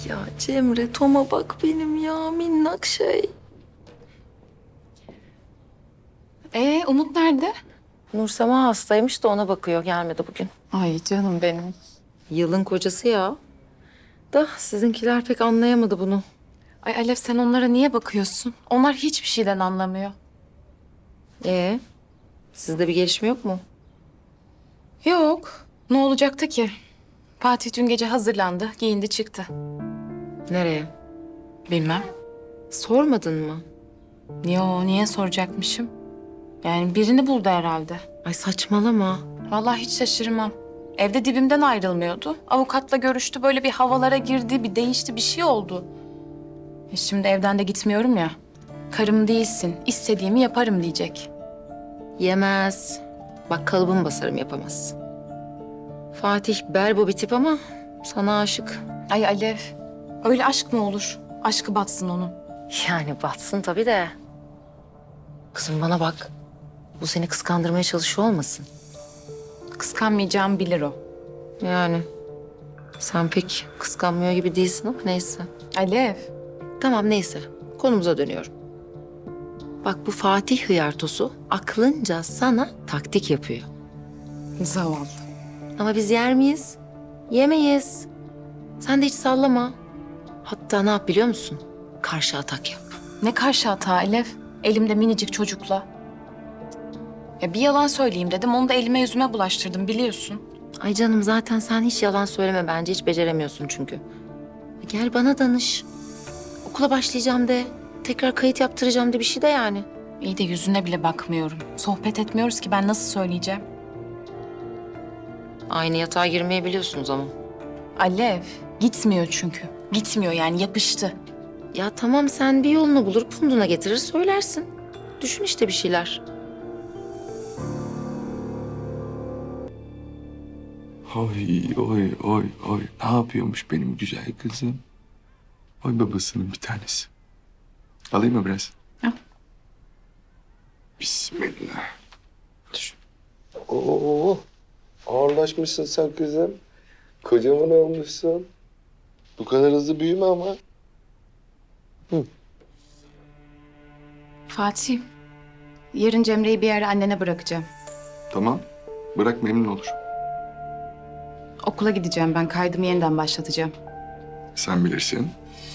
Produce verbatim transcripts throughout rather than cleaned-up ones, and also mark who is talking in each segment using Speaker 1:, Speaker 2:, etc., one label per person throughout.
Speaker 1: Ya Cemre, Tom'a bak benim ya minnak şey.
Speaker 2: Ee, Umut nerede?
Speaker 1: Nursema hastaymış da ona bakıyor. Gelmedi bugün.
Speaker 2: Ay canım benim.
Speaker 1: Yılın kocası ya. Da sizinkiler pek anlayamadı bunu.
Speaker 2: Ay Alev sen onlara niye bakıyorsun? Onlar hiçbir şeyden anlamıyor.
Speaker 1: Ee, sizde bir gelişme yok mu?
Speaker 2: Yok. Ne olacaktı ki? Fatih dün gece hazırlandı, giyindi çıktı.
Speaker 1: Nereye?
Speaker 2: Bilmem.
Speaker 1: Sormadın mı?
Speaker 2: Yo, niye soracakmışım? Yani birini buldu herhalde.
Speaker 1: Ay saçmalama.
Speaker 2: Vallahi hiç şaşırmam. Evde dibimden ayrılmıyordu. Avukatla görüştü, böyle bir havalara girdi, bir değişti, bir şey oldu. E şimdi evden de gitmiyorum ya. Karım değilsin, istediğimi yaparım diyecek.
Speaker 1: Yemez. Bak kalıbımı basarım, yapamaz. Fatih berbo bir tip ama sana aşık.
Speaker 2: Ay Alev, öyle aşk mı olur? Aşkı batsın onun.
Speaker 1: Yani batsın tabii de. Kızım bana bak. Bu seni kıskandırmaya çalışıyor olmasın?
Speaker 2: Kıskanmayacağımı bilir o.
Speaker 1: Yani sen pek kıskanmıyor gibi değilsin ama neyse.
Speaker 2: Alev,
Speaker 1: Tamam neyse. Konumuza dönüyorum. Bak bu Fatih hıyartosu aklınca sana taktik yapıyor.
Speaker 2: zavallı.
Speaker 1: Ama biz yer miyiz? Yemeyiz. Sen de hiç sallama. Hatta ne yap biliyor musun? Karşı atak yap.
Speaker 2: Ne karşı hata Alev? Elimde minicik çocukla. Ya bir yalan söyleyeyim dedim, onu da elime yüzüme bulaştırdım biliyorsun.
Speaker 1: Ay canım zaten sen hiç yalan söyleme bence. Hiç beceremiyorsun çünkü. Gel bana danış. Okula başlayacağım de. Tekrar kayıt yaptıracağım de bir şey de yani.
Speaker 2: İyi de yüzüne bile bakmıyorum. Sohbet etmiyoruz ki ben nasıl söyleyeceğim?
Speaker 1: Aynı yatağa girmeyi biliyorsunuz ama.
Speaker 2: Alev, gitmiyor çünkü. Gitmiyor yani yapıştı.
Speaker 1: Ya tamam sen bir yolunu bulur punduna getirir söylersin. Düşün işte bir şeyler.
Speaker 3: Oy oy oy oy. Ne yapıyormuş benim güzel kızım? Oy babasının bir tanesi. Alayım mı biraz?
Speaker 2: Al.
Speaker 3: Bismillah.
Speaker 4: Oo, ağırlaşmışsın sen kızım. Kocaman olmuşsun. Bu kadar hızlı büyüme ama.
Speaker 2: Fatih, yarın Cemre'yi bir yere annene bırakacağım.
Speaker 3: Tamam. Bırak memnun olur.
Speaker 2: Okula gideceğim ben, kaydımı yeniden başlatacağım.
Speaker 3: Sen bilirsin.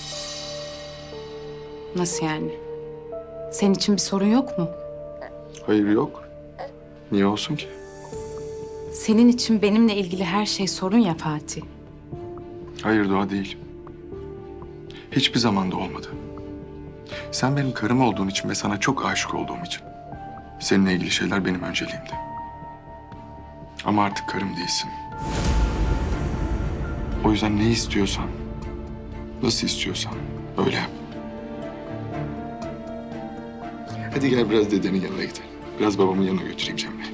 Speaker 2: Nasıl yani? Senin için bir sorun yok mu?
Speaker 3: Hayır yok. Niye olsun ki?
Speaker 2: Senin için benimle ilgili her şey sorun ya Fatih.
Speaker 3: Hayır Doğa değil. Hiçbir zaman da olmadı. Sen benim karım olduğun için ve sana çok aşık olduğum için. Seninle ilgili şeyler benim önceliğimdi. Ama artık karım değilsin. O yüzden ne istiyorsan, nasıl istiyorsan öyle yap. Hadi gel biraz dedenin yanına gidelim. Biraz babamın yanına götüreyim Cemre'yi.